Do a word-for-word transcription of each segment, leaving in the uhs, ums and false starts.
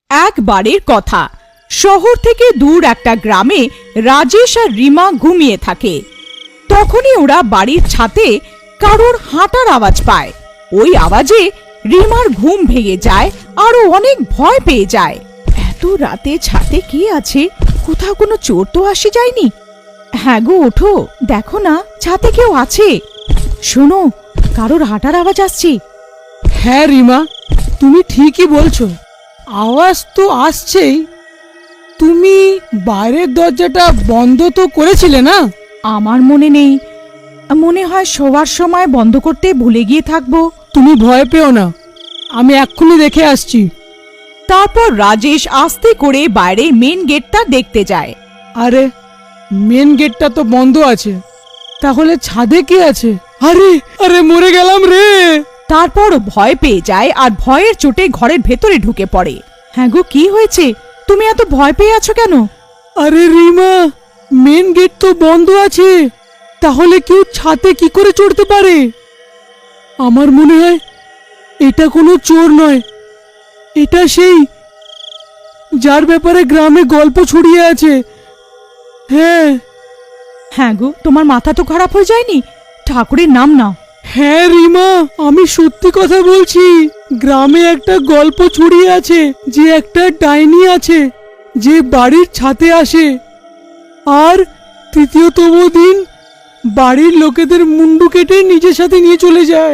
একবারের কথা, শহর থেকে দূর একটা গ্রামে রাজেশ আর রিমা ঘুমিয়ে থাকে। তখনই ওরা বাড়ির ছাদে কারোর হাঁটার আওয়াজ পায়। ওই আওয়াজে রিমার ঘুম ভেঙে যায় আর ও অনেক ভয় পেয়ে যায়। এত রাতে ছাদে কে আছে? কোথাও কোনো চোর তো আসে যায়নি? হ্যাঁ গো, ওঠো, দেখো না ছাদে কেউ আছে। শোনো, কারোর হাঁটার আওয়াজ আসছে। হ্যাঁ রিমা, তুমি ঠিকই বলছো, আওয়াজ তো আসছেই। তুমি বাইরের দরজাটা বন্ধ তো করেছিলে না? আমার মনে নেই, মনে হয় শোয়ার সময় বন্ধ করতে ভুলে গিয়ে থাকবো। তুমি ভয় পেও না, আমি এক্ষুনি দেখে আসছি। তারপর রাজেশ আস্তে করে বাইরে মেন গেটটা দেখতে যায়। আরে, মেন গেটটা তো বন্ধ আছে, তাহলে ছাদে কে আছে? আরে আরে মরে গেলাম রে। তারপর ভয় পেয়ে যায় আর ভয়ের চোটে ঘরের ভেতরে ঢুকে পড়ে। হ্যাঁ গো, কি হয়েছে? তুমি এত ভয় পেয়ে আছো কেন? আরে রিমা, মেন গেট তো বন্ধ আছে, তাহলে কেউ ছাদে কি করে চড়তে পারে? আমার মনে হয় এটা কোনো চোর নয়, এটা সেই যার ব্যাপারে গ্রামে গল্প ছড়িয়ে আছে। হ্যাঁ হ্যাঁ গো, তোমার মাথা তো খারাপ হয়ে যায়নি? ঠাকুরের নাম নাও। হ্যাঁ রিমা, আমি সত্যি কথা বলছি। গ্রামে একটা গল্প ছড়িয়ে আছে যে একটা ডাইনি আছে যে বাড়ির ছাদে আসে আর তৃতীয়তম দিন বাড়ির লোকেদের মুন্ডু কেটে নিজের সাথে নিয়ে চলে যায়।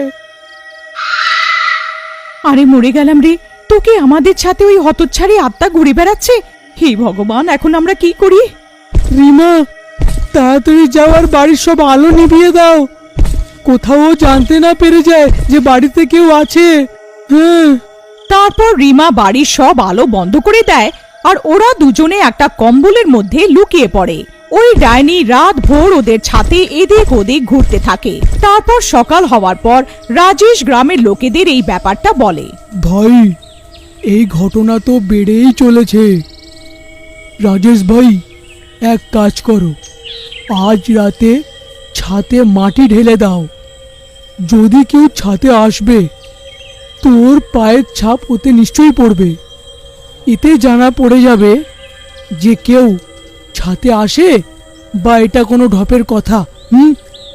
আরে মরে গেলাম রে, তোকে আমাদের সাথে ওই হতচ্ছাড়ি আত্মা ঘুরে বেড়াচ্ছে। হে ভগবান, এখন আমরা কি করি? রিমা, তাড়াতাড়ি যাওয়ার বাড়ির সব আলো নিভিয়ে দাও, কোথাও জানতে না পেরে যায় যে বাড়িতে কেউ আছে। হ্যাঁ। তারপর রিমা বাড়ির সব আলো বন্ধ করে দেয় আর ওরা দুজনে একটা কম্বলের মধ্যে লুকিয়ে পড়ে। ওই ডাইনি রাত ভোর ওদের ছাদে এদিক ওদিক ঘুরতে থাকে। তারপর সকাল হওয়ার পর রাজেশ গ্রামের লোকেদের এই ব্যাপারটা বলে। ভাই, এই ঘটনা তো বেড়েই চলেছে। রাজেশ ভাই, এক কাজ করো, আজ রাতে ছাদে মাটি ঢেলে দাও। যদি কেউ ছাদে আসবে, তোর পায়ের ছাপ ওতে নিশ্চয়ই পড়বে। এতে জানা পড়ে যাবে যে কেউ ছাদে আসে বা এটা কোনো ঢপের কথা। হুম।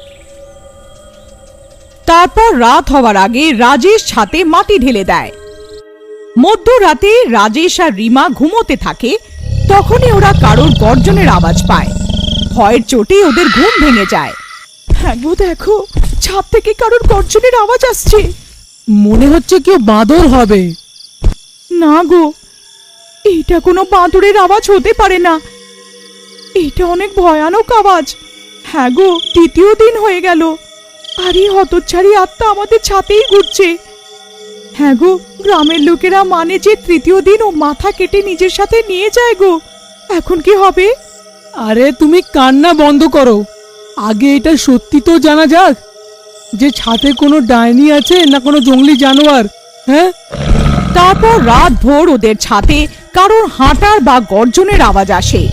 তারপর রাত হওয়ার আগে রাজেশ ছাদে মাটি ঢেলে দেয়। মধ্যরাতে রাজেশ আর রিমা ঘুমোতে থাকে। তখনই ওরা কারোর গর্জনের আওয়াজ পায়। ভয়ের চোটে ওদের ঘুম ভেঙে যায়। হ্যাঁ গো, দেখো, ছাদ থেকে কারোর গর্জনের আওয়াজ আসছে। মনে হচ্ছে কেউ বাঁদর হবে। না গো, এটা কোনো বাঁদরের আওয়াজ হতে পারে না, এটা অনেক ভয়ানক আওয়াজ। হ্যাঁ গো, তৃতীয় দিন হয়ে গেল আর এই হতচ্ছাড়ি আত্মা আমাদের ছাতেই ঘুরছে। হ্যাঁ গো, গ্রামের লোকেরা মানে যে তৃতীয় দিন ও মাথা কেটে নিজের সাথে নিয়ে যায় গো। এখন কি হবে? আরে তুমি কান্না বন্ধ করো, আগে এটা সত্যি তো জানা যাক যে ছাদে কোনো ডাইনি আছে না কোনো জঙ্গলি জানোয়ার। হ্যাঁ। তারপর রাত ভোর ওদের ছাদে কারোর হাঁটার বা গর্জনের আওয়াজ আসে।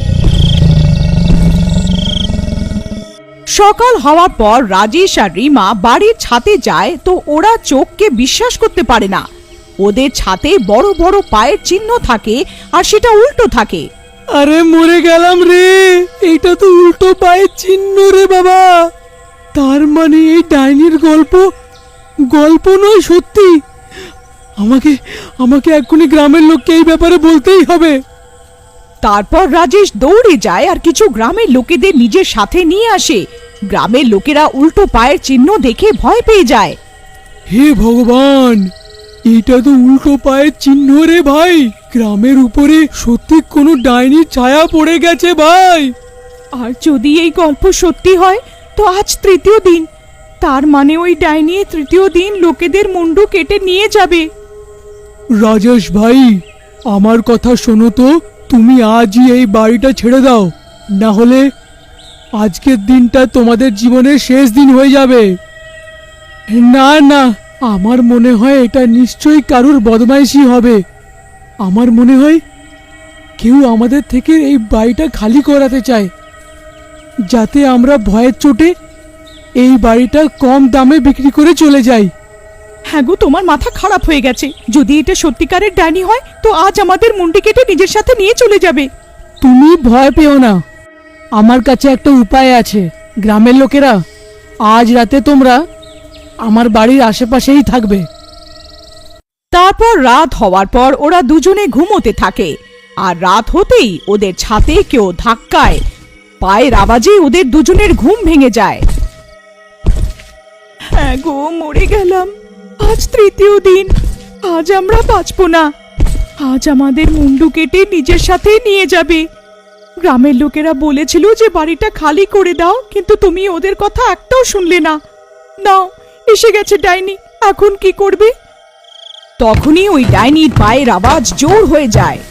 সকাল হওয়ার পর রাজেশ আর রিমা বাড়ির ছাদে যায় তো ওরা চোখকে বিশ্বাস করতে পারে না। ওদের ছাদে বড় বড় পায়ের চিহ্ন থাকে আর সেটা উল্টো থাকে। আরে মরে গেলাম রে, এইটা তো উল্টো পায়ের চিহ্ন রে বাবা। তার মানে এই ডাইনির গল্প গল্প নয়, সত্যি। আমাকে আমাকে এক্ষুনি গ্রামের লোককে এই ব্যাপারে বলতেই হবে। তারপর রাজেশ দৌড়ে যায় আর কিছু গ্রামের লোকেদের নিজের সাথে নিয়ে আসে। গ্রামের লোকেরা উল্টো পায়ের চিহ্ন দেখে ভয় পেয়ে যায়। হে ভগবান, এটা তো উল্টো পায়ের চিহ্ন রে ভাই। গ্রামের উপরে সত্যি কোনো ডাইনির ছায়া পড়ে গেছে ভাই। আর যদি এই গল্প সত্যি হয় তো আজ তৃতীয় দিন, তার মানে ওই ডাইনি তৃতীয় দিন লোকেদের মুন্ডু কেটে নিয়ে যাবে। রাজেশ ভাই, আমার কথা শোনো তো, তুমি আজই এই বাড়িটা ছেড়ে দাও, না হলে আজকের দিনটা তোমাদের জীবনের শেষ দিন হয়ে যাবে। না না, আমার মনে হয় এটা নিশ্চয়ই কারুর বদমাইশি হবে। আমার মনে হয় কেউ আমাদের থেকে এই বাড়িটা খালি করাতে চায়, যাতে আমরা ভয়ের চোটে এই বাড়িটা কম দামে বিক্রি করে চলে যাই। হ্যাঁ গো, তোমার মাথা খারাপ হয়ে গেছে। যদি এটা সত্যিকারের ডাইনি হয় তো আজ আমাদের মুন্ডি কেটে নিজের সাথে নিয়ে চলে যাবে। তুমি ভয় পেও না, আমার কাছে একটা উপায় আছে। গ্রামের লোকেরা, আজ রাতে তোমরা আমার বাড়ির আশেপাশেই থাকবে। তারপর রাত হওয়ার পর ওরা দুজনে ঘুমোতে থাকে। আর রাত হতেই ওদের ছাদে কেউ ধাক্কায়, পায়ের আওয়াজে ওদের দুজনের ঘুম ভেঙে যায়। হ্যাঁ গো, মরে গেলাম। আজ তৃতীয় দিন, আজ আমরা বাঁচবো না। আজ আমাদের মুন্ডু কেটে নিজের সাথে নিয়ে যাবে। গ্রামের লোকেরা বলেছিল যে বাড়িটা খালি করে দাও, কিন্তু তুমি ওদের কথা একটাও শুনলে না। নাও, এসে গেছে ডাইনি, এখন কি করবে? তখনই ওই ডাইনির পায়ের আওয়াজ জোর হয়ে যায়।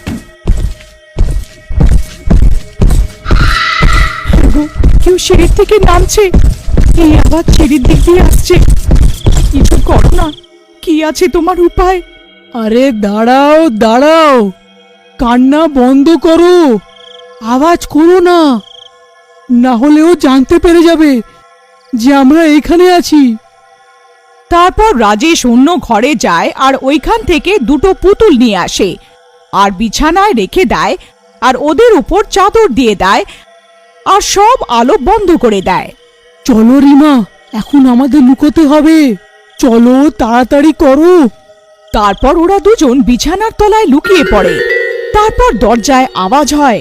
কেউ সিঁড়ির থেকে নামছে, এই আওয়াজ সিঁড়ির দিক দিয়ে আসছে। কিছু করো না, কি আছে তোমার উপায়? আরে দাঁড়াও দাঁড়াও, কান্না বন্ধ করো, আওয়াজ করো না, না হলে ও জানতে পেরে যাবে যে আমরা এখানে আছি। তারপর রাজেশ অন্য ঘরে যায় আর ওইখান থেকে দুটো পুতুল নিয়ে আসে আর বিছানায় রেখে দেয় আর ওদের উপর চাদর দিয়ে দেয় আর সব আলো বন্ধ করে দেয়। চলো রিমা, এখন আমাদের লুকোতে হবে, চলো তাড়াতাড়ি করো। তারপর ওরা দুজন বিছানার তলায় লুকিয়ে পড়ে। তারপর দরজায় আওয়াজ হয়।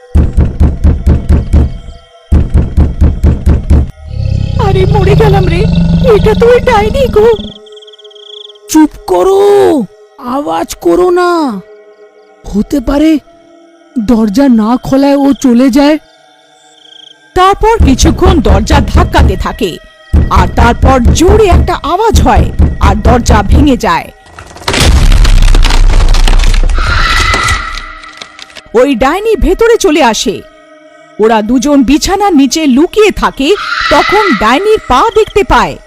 আরে মরে গেলাম রে, এটা তো ওই ডাইনি গো। চুপ করো, আওয়াজ করো না, হতে পারে দরজা না খোলায় ও চলে যায়। তারপর কিছুক্ষণ দরজা ধাক্কাতে থাকে আর তারপর জোরে একটা আওয়াজ হয় আর দরজা ভেঙে যায়। ওই ডাইনি ভেতরে চলে আসে। ওরা দুজন বিছানার নিচে লুকিয়ে থাকে। তখন ডাইনির পা দেখতে পায়।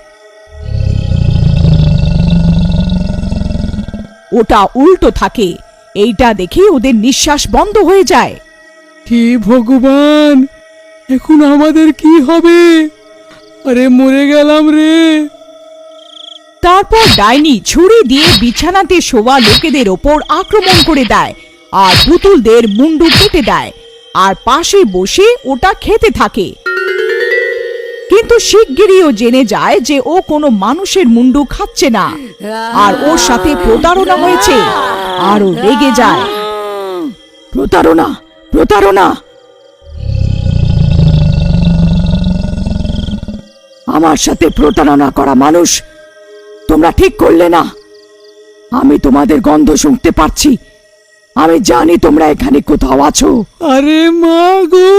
ওটা উল্টো থাকে। এইটা দেখে ওদের নিঃশ্বাস বন্ধ হয়ে যায়। হে ভগবান, এখন আমাদের কি হবে? আরে মরে গেলাম রে। তারপর ডাইনি ছুরি দিয়ে বিছানাতে শোয়া লোকেদের ওপর আক্রমণ করে দেয় আর পুতুলদের মুন্ডু কেটে দেয় আর পাশে বসে ওটা খেতে থাকে। কিন্তু শিগগিরইও জেনে যায় যে ও কোনো মানুষের মুন্ডু খাচ্ছে না আর ওর সাথে প্রতারণা হয়েছে আর ও রেগে যায়। প্রতারণা, প্রতারণা! আমার সাথে প্রতারণা করা মানুষ, তোমরা ঠিক করলে না। আমি তোমাদের গন্ধ শুনতে পাচ্ছি। আমি জানি তোমরা এখানে কোথাও আছো। আরে মা গো,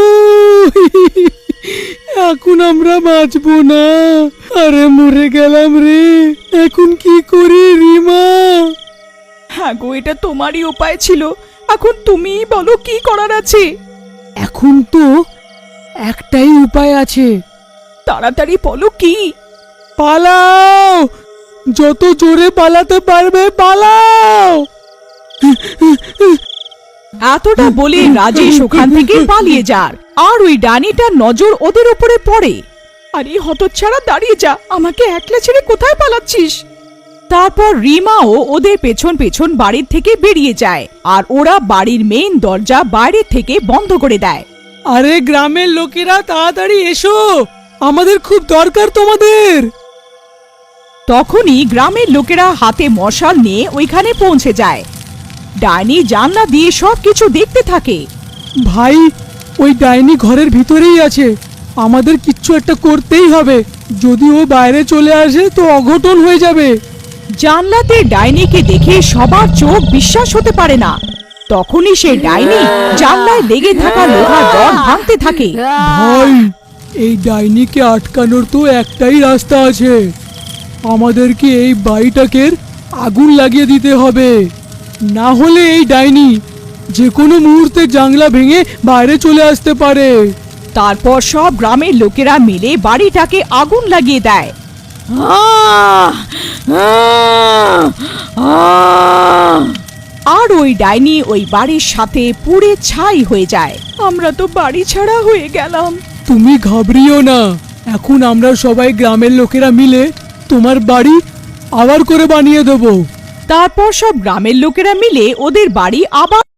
এখন আমরা বাঁচবো না। আরে মরে গেলাম রে, এখন কি করি রিমা? হ্যাঁ গো, এটা তোমারই উপায় ছিল। এখন তুমিই বলো কি করার আছে। এখন তো একটাই উপায় আছে। তাড়াতাড়ি বলো কি। পালাও, যত জোরে পালাতে পারবে পালাও। এতটা বলে রাজেশ ওখান থেকে পালিয়ে যার আর ওই ডাইনিটার নজর ওদের উপরে পড়ে। আরে হতচ্ছাড়া, দাঁড়িয়ে যা, আমাকে একলা ছেড়ে কোথায় পালাচ্ছিস? তারপর রিমাও ওদের পেছন পেছন বাড়ির থেকে বেরিয়ে যায় আর ওরা বাড়ির মেইন দরজা বাইরে থেকে বন্ধ করে দেয়। আরে গ্রামের লোকেরা তাড়াতাড়ি এসো, আমাদের খুব দরকার তোমাদের। তখনই গ্রামের লোকেরা হাতে মশাল নিয়ে ওইখানে পৌঁছে যায়। ডাইনি জানলা দিয়ে সবকিছু দেখতে থাকে। ভাই, ওই ডাইনি ঘরের ভিতরেই আছে, আমাদের কিচ্ছু একটা করতেই হবে। যদি ও বাইরে চলে আসে তো অঘটন হয়ে যাবে। জানলাতে ডাইনিকে দেখে সবার চোখ বিশ্বাস হতে পারে না। তখনই সে ডাইনি জানলায় লেগে থাকা লোহার রড ভাঙতে থাকে। ভাই, এই ডাইনিকে আটকানোর তো একটাই রাস্তা আছে, আমাদেরকে এই বাড়িটাকে আগুন লাগিয়ে দিতে হবে, না হলে এই ডাইনি যে কোনো মুহূর্তে জানলা ভেঙে বাইরে চলে আসতে পারে। তারপর সব গ্রামের লোকেরা মিলে বাড়িটাকে আগুন লাগিয়ে দেয়। আর ওই ডাইনি ওই বাড়ির সাথে পুড়ে ছাই হয়ে যায়। আমরা তো বাড়ি ছাড়া হয়ে গেলাম। তুমি ঘাবড়িও না, এখন আমরা সবাই গ্রামের লোকেরা মিলে তোমার বাড়ি আবার করে বানিয়ে দেবো। তারপর সব গ্রামের লোকেরা মিলে ওদের বাড়ি আবার